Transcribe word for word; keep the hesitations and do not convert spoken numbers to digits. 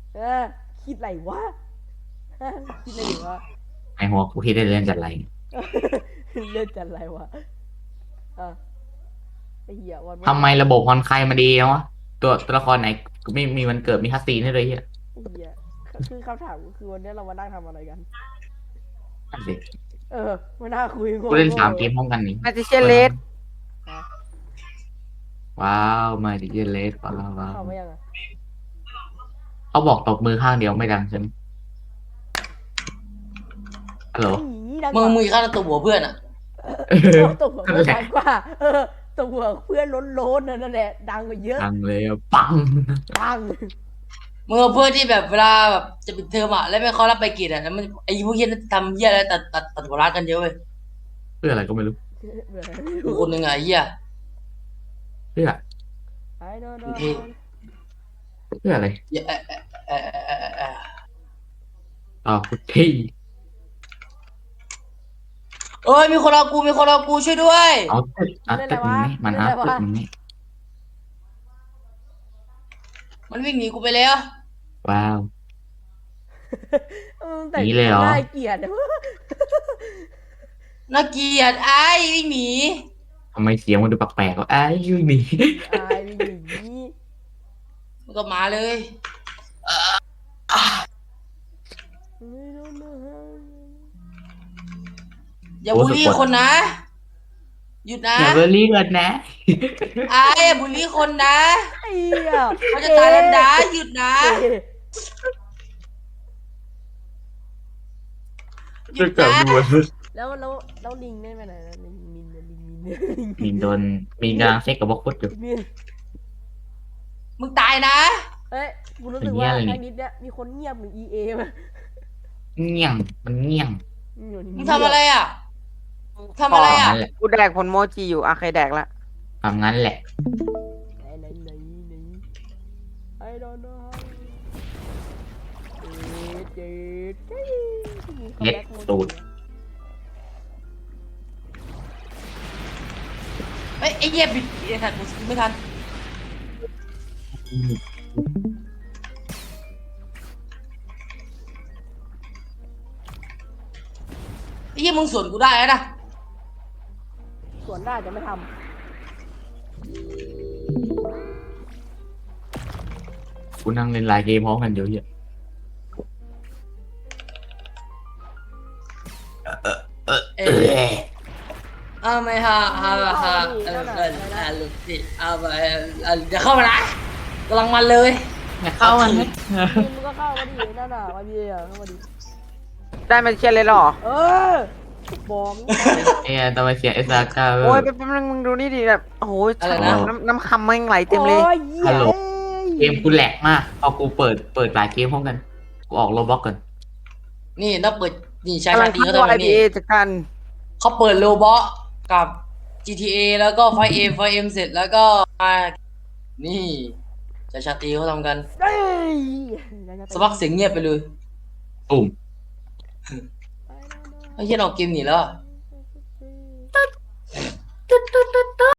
เออคิดอะไรวะคิดอะไรอยู่วะไอหัวกูคิดได้เล่นจัดไรเล่นจัดอะไรวะอ่ะไอ้เหี้ยวันวันทำไมระบบฮอนไคมาดีจังวะตัวตัวละครไหนไม่มีวันเกิดมีคัสซีนให้เลยเฮียไอ้เหี้ยคือคำถามก็คือวันนี้เรามานั่งทำอะไรกันนั่นสิเออมานั่งคุยโกูเล่นง่สามเกมพร้อมกันนี่มาจิเชยนเลสๆฮะว้าวมาดิเจเลสว้าวว้าวเข้ามายังอ่ะเขาบอกตบมือข้างเดียวไม่ดังใช่ไหมฮัลโหลอีดังกมึงว่ามึงฆ่าตัวหัวเพื่อนอ่ะเออตัวหัวนั่นเพื่อนแหละดังกว่าเออตัวหัวเพื่อนล้นๆนั่นแหละดังกว่าเยอะดังเลยอะปังดังมึงเอาเพื่อนที่แบบเวลาแบบจะปิดเทอมอ่ะแล้วไม่เขารับไปกิจอ่ะแล้วมันไอ้พวกเหี้ยนั่นทำเหี้ยอะไรตัดตัดตัดหัวร้านกันเยอะเว้ยเพื่ออะไรก็ไม่รู้กูคนหนึ่งอ่ะไอ้เหี้ยเพื่อไอ้โดนโดนเท่เพื่ออะไรเหี้ยเอะเอะเอะเอะเอะเอะต่อกูที่เอ้ยมีคนเอากูมีคนเอากูช่วยด้วยเอาตึกเอาตึกมึงนี่มันเอาตึกมึงนี่มันวิ่งหนีกูไปแล้วว้าวเออแต่งหนีเลยเหรอน่าเกลียดน่าเกลียดไอ้วิ่งหนีทำไมเสียงมันดูแปลกๆวะไอ้ยูนี่อายวิ่งหนีมันก็มาเลยอย่าบูลลี่คนนะหยุดนะอย่าเบอร์รี่กันนะไอ้อย่าบูลลี่คนนะไอ้เหี้ยเขาจะตายแล้วนะหยุดนะเอ๊ะหยุดจะนะกลับมาแล้วแล้วแล้วลิงได้ไปไหนนะลิงมินเนี่ยลิงมินเนี่ยลิงมีโดนมีกำลังเซ็กกับบล็อกฟุตอยู่มินมึงตายนะเอ้ยกูรู้สึกเป็นเหี้ว่ายอะไรนี่ทางนี้เนี่ยมีคนเงียบเหมือน อี เอ มาเงี้ยงมันเงี้ยงอยู่นี่มึงทำอะไรอ่ะทำอะไรอ่ะนั่นแหละกูแดกผลโมจิอยู่อ่ะใครแดกละทำงั้นแหละไหนไหนไหนไหน I don't know how เจ็ดเจ็ดมีคอมเล็ดแบ็กโมตูดเฮ้ยไอ้เหี้ยบิดไอ้สัตว์กูไม่ทันไอ้เหี้ยมึงสวนกูได้แล้วนะส่วนได้จะไม่ทกูนั่งเล่นไลน์เกมพร้อมกันเดี๋ยวเหี้ยเอเอออเอาไม่ฮะฮะฮะเออเออเออลูกพี่เอาไปเออเดี๋ยวเข้ามานะกำลังมันเลยอย่าเข้ามานะำมินมึงก็เข้ามาดินั่นน่ะมาดิอ่ะเข้ามาดิได้มาเชียนเลยเหรอเออบอกเอ้ยทำไมเสียงเอสอาร์ก้าโอ้ยแป๊บนึงมึงดูนี่ดิแบบโอ้โหน้ำน้ำคำมันไหลเต็มเลยโอ้ยเหี้ยเกมกูแหลกมากพอกูเปิดเปิดหลายเกมพร้อมกันกูออกโรบล็อกก่อนนี่ต้องเปิดนี่ชายกำลัชาง ตรีเขาเข้าทำอะไรไอพีนี่เอจากกันเขาเปิดโลบอกับ จี ที เอ แล้วก็ไฟเอ็มไฟเอ็มเสร็จแล้วก็มานี่ชายชาตรีเขาทำกันเฮ้ยสักพักเสียงเงียบไปเลยตุ่มไอ้เหี้ยออกเกมหนีแล้วอะ